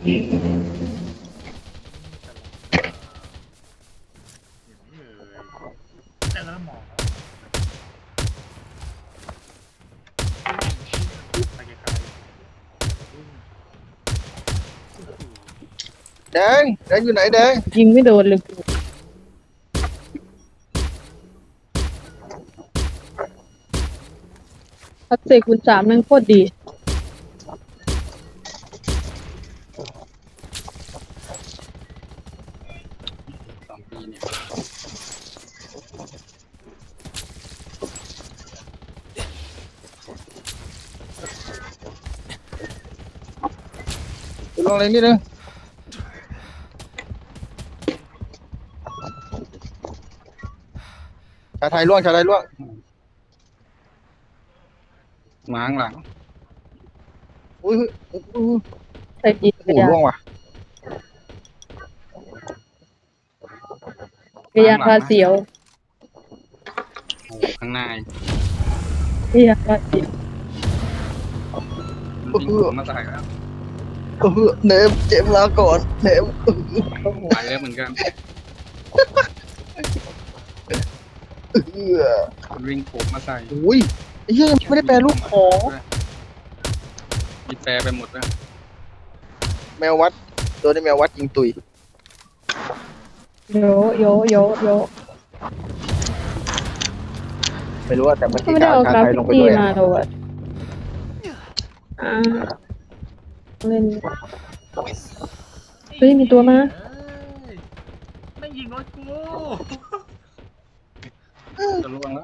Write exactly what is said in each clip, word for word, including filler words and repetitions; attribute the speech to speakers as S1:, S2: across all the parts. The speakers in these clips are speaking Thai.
S1: แต่แล้วหมอไปไกล
S2: แดงแดงอยู่ไหนแดง
S3: ยิงไม่โดนเลยพัดเซคูณสามแม่งโคตรดี
S4: สองปีเนี่ย
S2: ลองเลยนิดนึงชาไทยล่วงชาไทยล่วง
S4: ม้างหลัง
S2: อุ้ยอุ้ยอุ้ย
S3: ใส่จีน
S2: โอ้โหล่วงว่ะ
S3: พยายามพาเสียว
S4: โอ้ข้างหน้า
S3: พยายามพาเสียว
S4: มันวิ่งผมมาใส่แล้ว
S2: เออเนมเจ็บลาก่อนเนม
S4: ไปแล้วเหมือนกัน
S2: เออ
S4: มันวิ่งผมมาใส่
S2: อุ้ยไอ้เหี้ยยังไม่ได้แปลรูปของ
S4: มีแปรไปหมดแล้ว
S2: แมววัดตัวนี้แมววัดยิงตุย
S3: โยโยโยโย
S2: ไม่รู้ว่าแต่เมื่อ
S3: ก็
S2: กี้
S3: ไม่ได้
S2: กา
S3: เอา
S2: ร
S3: กรา
S2: ไทย
S3: ฟิ
S2: ลงไป
S3: ตี้
S2: ด้วย
S3: มาตัวอ่ะอ่าเล่นเฮ้ยมีตัวมา
S1: ไม่ยิงรถกู
S4: จะล่วงแล้ว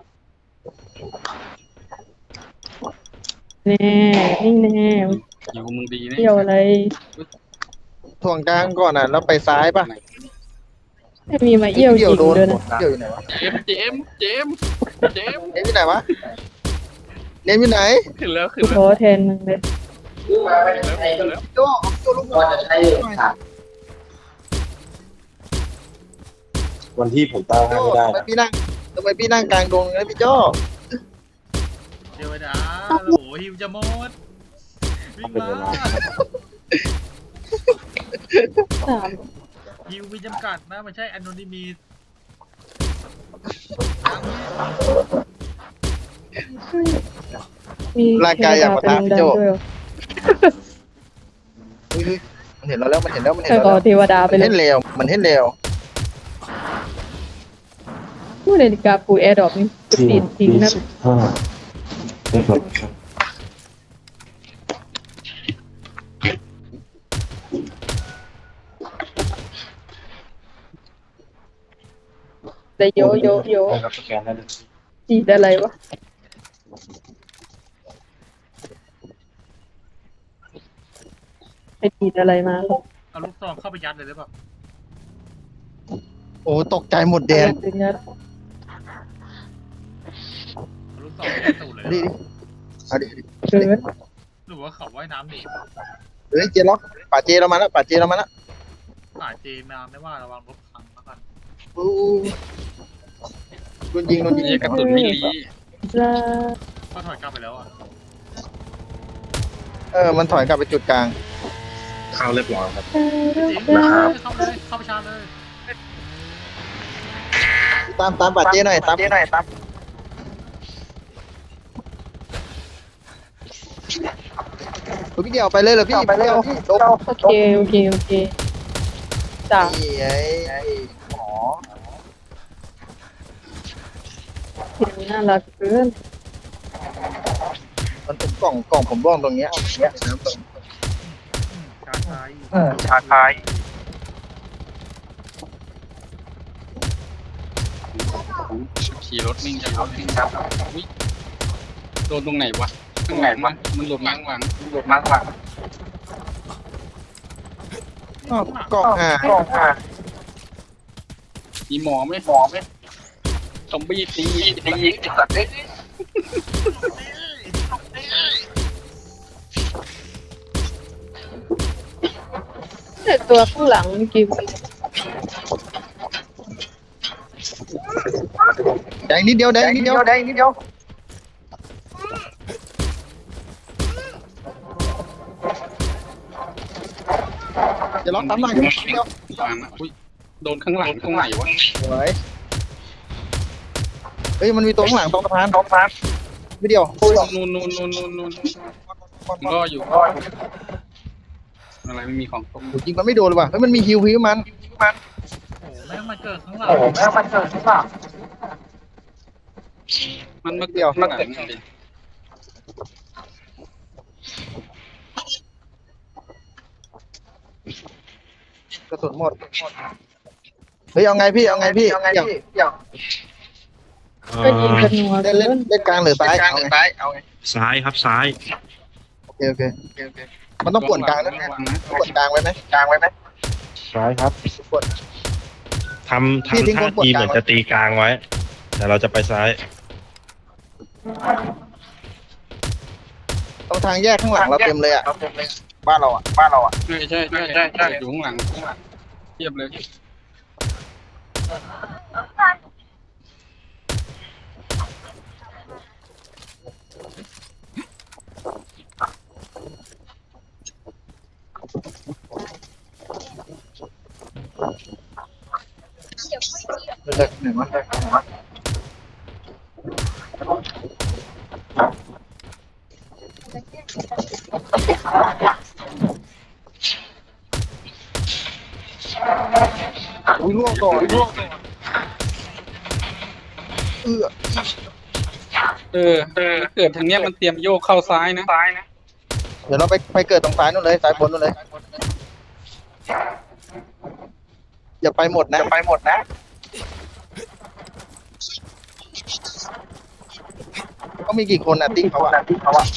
S3: แน่นี่แน่
S4: อยู่มึงดีนะ
S3: เที่ยวอะไร
S2: ถ่วงกลางก่อนอ่ะแล้วไปซ้ายป่ะ
S3: ไม่มีมาเยี่ยวจริง
S2: โดน
S3: ด้วยนะ
S2: เดี่ยวอยู่ไหนวะ
S4: เจมส์เจมส์เจมส์เจมส์
S2: เนมอยู่ไหนวะเนมอยู่ไหน
S4: ขึ้นแล้วขึ้น
S3: กู
S4: แล้
S3: ข
S4: ว
S3: อแทนมึงเลย
S4: ขึ้นแล้ว
S2: โจ้โจ้ลูกบอลจะใช้
S5: วันที่ผมตั้งให้
S2: โจ้
S5: ไม่ได้
S2: ทำไม
S5: นะ
S2: พี่นั่งทำไมพี่นั่งกลางดงนะพี่โจ้
S1: เดี๋ยวนะโอ้โหฮิวจะหมดวิ่ง
S5: เป็น
S1: มา
S5: เวลา
S3: สาม
S1: ฮิวมีจำกัดนะไม่ใช่แอนโนนิมี
S3: มี
S2: ร่างกายอยากปะทะพี่โจ้
S3: ด้วยเหรอ
S2: อุ้ยมันเห็นเราแล้วมันเห็นแล้วมันเห็น
S3: แต่
S2: เรา
S3: ขอ
S2: แล้ว
S3: เทวดาไป
S2: มัน
S3: เล
S2: เห็
S3: ย
S2: นเร็วมันเห็นเร็ว
S3: ผู้นาฬิกาปูแอร์ดรอปนี่
S5: ที่
S3: ติดทิ้งนะ
S5: สิบห้าได้ครับ
S3: แต่โยโยโย
S5: ได้ครับสแกนได้เลย
S3: จีดอะไรวะไปจีดอะไรมาครับ
S1: เอาลูกซองเข้าไปยัดเลยได้ป่ะ
S2: โอ้ตกใจหมดแดง
S3: ถึงยัด
S1: เอาลูกซองไปยัดตูดเลย
S2: ดิเอาดิ
S3: เกิน
S1: หรือว่าเขาว่ายน้ำหนี
S2: เฮ้ยเจล็อกป่าเจเรามาแล้วป่าเจเรามาแล้ว
S1: ป่าเจมาไม่ว่าระวังรถพังแล้วกัน
S2: อู้โดนยิงโดนยิง
S4: นี่กระสุนมิลลี
S3: ลา
S1: ก็ถอยกลับไปแล้วอ่ะ
S2: เออมันถอยกลับไปจุดกลาง
S5: เข้าเรียบร้อยครับ
S1: จริง
S5: นะครับ
S1: เข้าเลยเข้าไปชาร์จเลย
S2: ตามตามป่าเจหน่อยตามเจหน่อยตามพี่เดียวไปเลยเหรอพี่ไปเลยพี่โดน
S3: โอเคโอเคโอเคจ้า
S2: นี่ไอ้ไอ้หมอ
S3: เสียงน่ารักเกิน
S2: มันเป็นกล่องกล่องผมร่องตรงเนี้ยเอาเนี้ยน้ำตรง
S1: ชาร์จไทย
S2: เออชาไทย
S4: ขี่รถวิ่งขี่รถวิ่งครับอุ๊ยโดนตรงไหนวะตรงไหนวะมันหลบหลังหลัง
S2: หลุดมากกว่าอ๋อกล่องอ่ะกล่องอ่ะ
S4: มีหมอไหมหมอไหมซอมบี้ตีตียิงไอ้สัตว์เอ้ย
S3: แต่ตัวข้างหลังเมื่อกี้
S2: แดงนิดเดียวแดงนิดเดียวแดงนิดเดียวจะล็อกตามหน่อยเดียว
S4: วางนะอุ้ยโดนข้างหลังตรงไหนวะ
S2: สวยเฮ้ยมันมีตัวข้างหลังตรงสะพานตรงสะพานไม่เดียว
S4: นู่นนู่นนู่นนู่นนู่นรออยู่อะไรไม่มีของตก
S2: โอ้ยิงมันไม่โดนเลยว่ะเฮ้ยมันมีฮิวฮิวมันมัน
S1: โอ้แม่งมาเกิดข้างหลัง
S2: แม่มันเกิดใช่ป่ะ
S4: มันมา
S2: เดี๋ยว
S4: ข้างหลังดิ
S2: กระสุนหมดเฮ้ยเอาไงพี่เอาไงพี่เอาไงพี่
S3: ก็ยิงกันนัว
S2: เล่นเล่นเล่นกลางหรือซ้ายเอาไงซ้ายเอาไง
S5: ซ้ายครับซ้าย
S2: โอเคโอเคโอเคมันต้องป่วนกลางนะ
S4: ระวังนะ
S2: ป่วนกลางไว้ไหมกลางไว้ไหม
S5: ซ้ายครับ
S2: ป่วน
S5: ทำ
S2: พี่ทิ้ง
S5: ทำท่า
S2: คนกด
S5: ที
S2: ก
S5: เห
S2: ลาง
S5: มือนจะตีกลางไว้ แต่เราจะไปซ้าย
S2: ตรงทางแยกข้างหลังเราเต็มเลยอ่ะบ้านเราอ่ะบ้านเราอ่ะ
S4: ใช่ใช่ใช่ใช่ใช่อยู่ข้างหลังเทียบเลย
S2: เด็กหนึ่งวะอุ้ยล่วงก่อนล่วงก่อนเออ
S4: เออเออเกิดทางเนี้ยมันเตรียมโยกเข้าซ้ายนะซ้ายนะ
S2: เดี๋ยวเราไปไปเกิดตรงซ้ายนู่นเลยซ้ายบนนู่นเลยอย่าไปหมดนะอย่าไปหมดนะเขามีกี่คนอ่ะติ๊กเขาอ่ะติ๊กเขาอ่ะ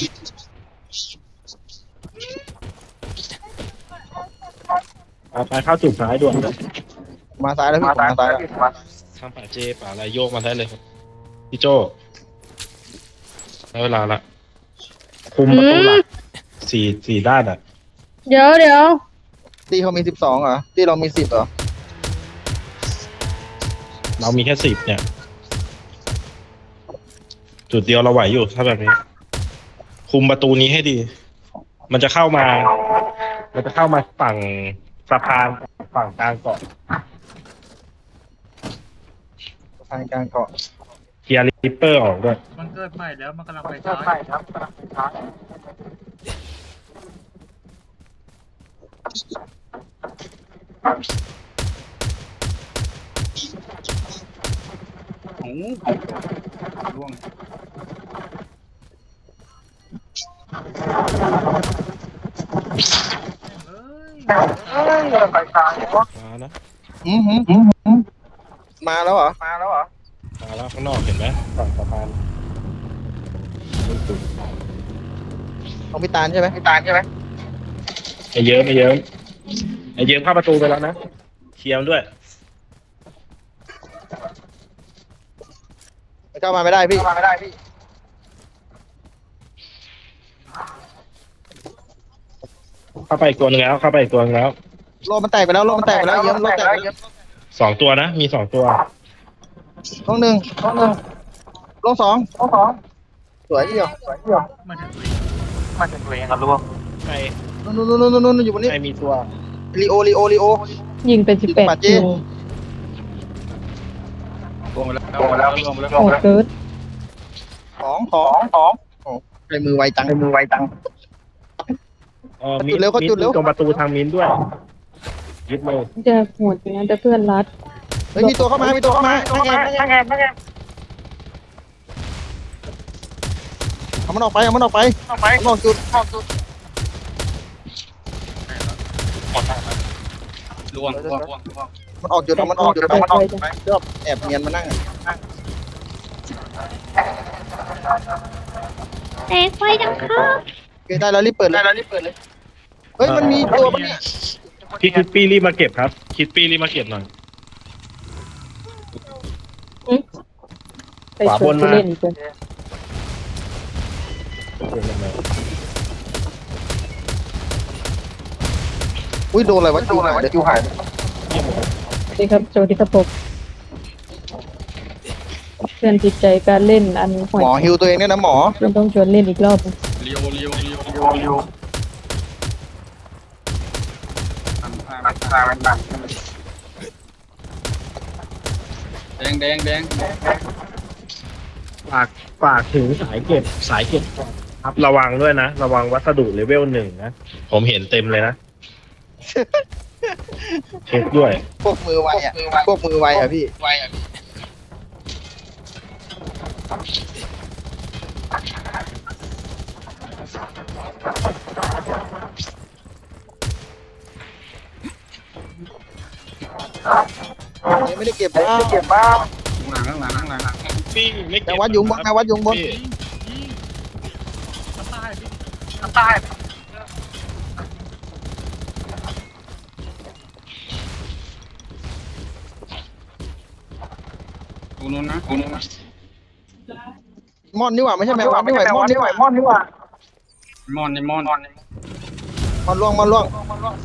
S5: เอาไปเข้าจุดซ้ายด่วนเลย
S2: มาซ้ายแล้วพี่ผมมาซ้ายแล้ว
S5: ทางป่าเจป่าอะไรโยกมาได้เลยครับพี่โจได้เวลาละคุมประตูหลักสี่สี่ด้านอ่ะ
S3: เดี๋ยวเดี๋ยว
S2: ตีเขามีสิบสองเหรอตีเรามีสิบเหรอ
S5: เรามีแค่สิบเนี่ย จุดเดียวเราไหวอยู่ถ้าแบบนี้ คุมประตูนี้ให้ดี มันจะเข้ามา มันจะเข้ามาฝั่งสะพานฝั่งกลางเกาะ
S2: ทางกลางเกาะ
S5: เคลียร์ริปเปอร์ออกด้วย
S1: มันเกิดใหม่แล้วมันกำลังไปซ้าย
S2: ครับ
S4: โอ้ร่วง
S1: เอ้ย
S5: มานะ
S2: อืมหืมหืมหืมมาแล้วเหรอมาแล้วเหรอ
S5: มาแล้วข้างนอกเห็นไหมฝั่งสะพาน
S2: ของพี่ตาลใช่ไหมพี่ตาลใช่ไหม
S5: ไอ้เยิ้มไอ้เยิ้มไอ้เยิ้มเข้าประตูไปแล้วนะเคลียร์มันด้วย
S2: เข้ามาไม่ได้พี่เข้ามาไม่ได้พี่
S5: เข้าไปอีกตัวหนึงแล้วเข้าไปอีกตัวหนึงแล้ว
S2: โลมันแตกไปแล้วโลมันแตกไปแล้วเยิ้มโลแตกไปแล้ว
S5: สองตัวนะ มีสองตัว
S2: ห้องหนึ่งห้องหนึ่งโลสองโลสองสวยเดียวสวยเดียว
S1: มาถึง
S2: มาจากตัวเองครับลูก
S5: ใคร
S2: นู่นนู่นนู่นนู่นอยู่บนนี้
S5: ใครมีตัว
S2: ลีโอลีโอลีโอ
S3: ยิงเป็นสิบแปด
S2: ปัดเจ๊
S3: คิว
S4: ร่วงไปแล้วร่วงไปแล้วร่วงไปแล้ว
S3: โหดเกิน
S2: ของของของโอ้ใครมือไวจังใครมือไวจัง
S5: เออ
S2: เขา
S5: มี
S2: จุดเร็วเขาจุดเร็ว
S5: ตรงประตูทางมิ้นด้วยยึดเลย
S3: จะโหดอย่างนั้นแต่เพื่อนรัด
S2: เฮ้ยมีตัวเข้ามามีตัวเข้ามาตั้งแอบตั้งแอบตั้งแอบเอามันออกไปเอามันออกไปออกไปออกจุดออกจุด
S4: ร่วงร่วงร่วงร่วง
S2: มันออกจุดเอามันออกจุดเอามันออกจุดไปชอบแอบเนียนมานั่งอะ
S3: แตกไฟดังครับ
S2: โอเคได้แล้วรีบเปิดเลยได้แล้วรีบเปิดเลยเฮ้ยมันมีตัวปะเนี่ย
S5: พี่คิดปี้รีบมาเก็บครับ คิดปี้รีบมาเก็บหน่อย
S3: ไปชวนผู้เล่นอีกคน
S2: อุ้ยโดนอะไรวะโดนอะไรวะเดี๋ยวคิวหาย
S3: นี่ครับโจที่กระปกเพื่อนจิตใจการเล่นอันห่วย
S2: หมอฮิวตัวเองเนี่ยนะหมอ
S3: มันต้องชวนเล่นอีกรอบหนึ่ง
S4: เลี้ยวเลี้ยวเลี้ยว
S2: ฮิวฮิว
S4: ทำทแดงแดงแดง
S5: ฝากฝากถึงสายเก็บสายเก็บครับระวังด้วยนะ ระวังวัสดุเลเวลหนึ่งนะ ผมเห็นเต็มเลยนะ เช็คด้วย
S2: พวกมือไวอ่ะพวกมือไวอ่ะพี่ยังไม่ได้เก็บบ้างเก็บบ้าง
S4: ข้างหลังข้างหลังข้างหลัง
S5: พี่ไม่
S2: แก
S5: เก็บ
S2: วัดยุงบนแกวัดยุงบน
S5: พี่
S1: ยิงยิงทำใต้พี่ทำใต้
S4: กูนู้นนะกูนู้นนะ
S2: มอนนี่หว่าไม่ใช่แมววัดนี่หว่ามอนนี่หว่ามอนนี่หว่าม
S4: อนในมอน
S2: มอนล่วงมอนล่วง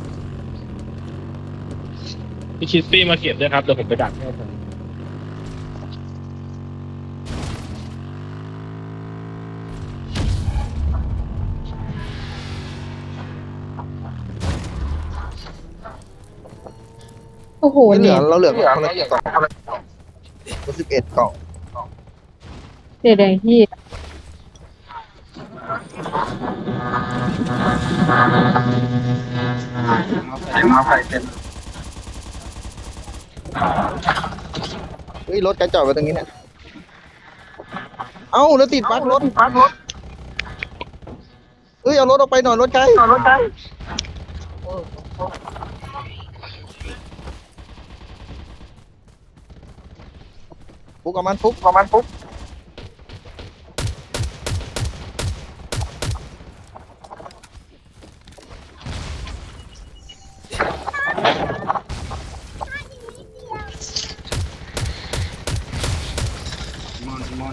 S5: พี่คิสปี้มาเก็บด้วยครับเดี๋ยวผมไปดักให้ครับ
S3: โอ้โห
S2: เหลื
S3: เนี่
S2: อย เราเหลือคนละกล่องสิบเอ็ดกล่อง
S3: เสียแดงที่
S4: มาใส่เต็ม
S2: เฮ้ยรถกระจอดไว้ตรงนี้เนี่ยเอ้าแล้วติดบั๊กรถบั๊กรถเฮ้ยเอารถออกไปหน่อยรถไกลรถไกลฟุกกับมันฟุกกับมันฟุก
S4: มอนมอน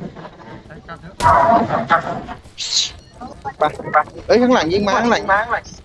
S1: ไปกลับเถอะ
S2: ไปไปเอ้ยข้างหลังยิงมาข้างหลังมา